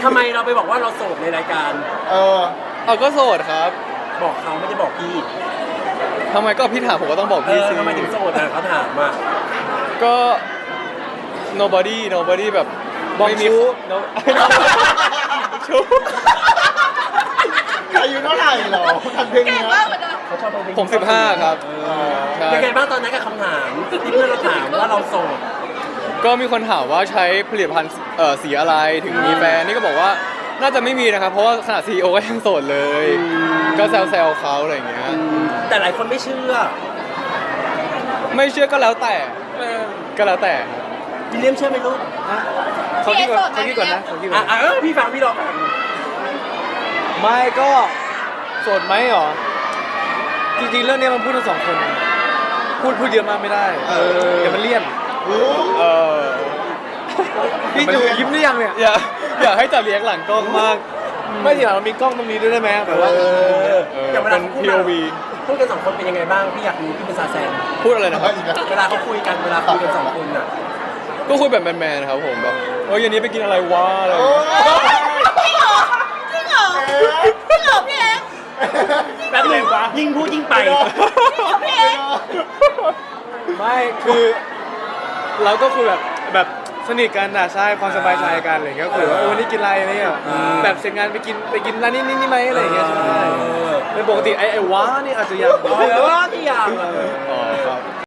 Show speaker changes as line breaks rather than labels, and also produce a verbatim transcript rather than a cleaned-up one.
ทำไมเราไปบอกว่าเราโสดในรายการ
เออ
เอาก็โสดครับ
บอกเขาไม่ได้บอกพี่
ทำไมก็พี่ถามผมก็ต้องบอก
เอ
พี่
อ
สิ
ทำไมถึงโสดอ่ะเขาถามอ่ะ
ก็ nobody nobody แบบ
บอก
ไม่มี
ชู้
no ชู้
อายุเท่าไหร่เหรอทำเพลง
เก่ง
เนี้ย
มากเหมือนกัน
เขาชอบเพลง
ผมสิบห้าครับ
เออ
ใช่
เป็นไงบ้างตอนนั้นกับคำถามที่เพื่อนเราถามว่าเราโสด
ก็มีคนถามว่าใช้ผลิตภัณฑ์เอ่อสีอะไรถึงมีแฟนนี่ก็บอกว่าน่าจะไม่มีนะครับ เพราะว่าขนาดซีอีโอก็ยังโสดเลย ก็แซวๆเขาอะไรอย่างเงี้ย
แต่หลายคนไม่เชื่อ
ไม่เชื่อก็แล้วแต่ก็แล้วแต่ครับ
วิลเลียมเชื่อไหมลูก
เขาคิดก่อนเขาคิดก่อนนะเขาคิดก่
อ่ะ
อน
อ่ะเออพี่ฟังพี่รอฟัง
ไม่ก็โสดไหมหรอจริงๆเรื่องนี้มันพูดทั้งสองคน พูดพูดเยอะมากไม่ได้
เออ
เดี๋ยวมันเลี่ยน
โอ้
เออ
พี่ดูยิ้มหรือยังเนี่ย
อย่าอย่าให้จับเลี้ยงหลังกล้องมาก
ไม่ทีหลังเรามีกล้องตรงนี้ด้วยได้ไหมแบบว่า
เออ
เออ
อย่างเวลา
เป็น
พูด
พี โอ วี
พูดกันสองคนเป็นยังไงบ้างพี่อยากรู้พี่เป็นซาแซง
พูดอะไรนะครับ
เวลาเขาคุยกันเวลาคุยกันสองคนอ่ะ
ก็คุยแบบแมนๆครับผมแบบเออเย็นนี้ไปกินอะไรวะอะไรอย่าง
โอ้
เงี้ย
จริงเหรอจริงเหรอจริงเหรอพี่เอ็กซ์
แป๊บหนึงยิ่งพูดยิ่งไป
พี่เอ็กซ์
ไม่คือเราก็คือแบบแบบสนิทกันนะใช่ความสบายใจกันอะไรเงี้ยก็คือว่าเออวันนี้กินอะไรอะไรเงี้ย
อ่า
แบบเสร็จงานไปกินไปกินร้านนี้นี่นี่ไหมอะไรอย่างเงี้ยใช่
เออ
เป็นปกติไอ้ไอ้ว้านี่อาจจะยัง
เออที่อยาก
อ๋อครับ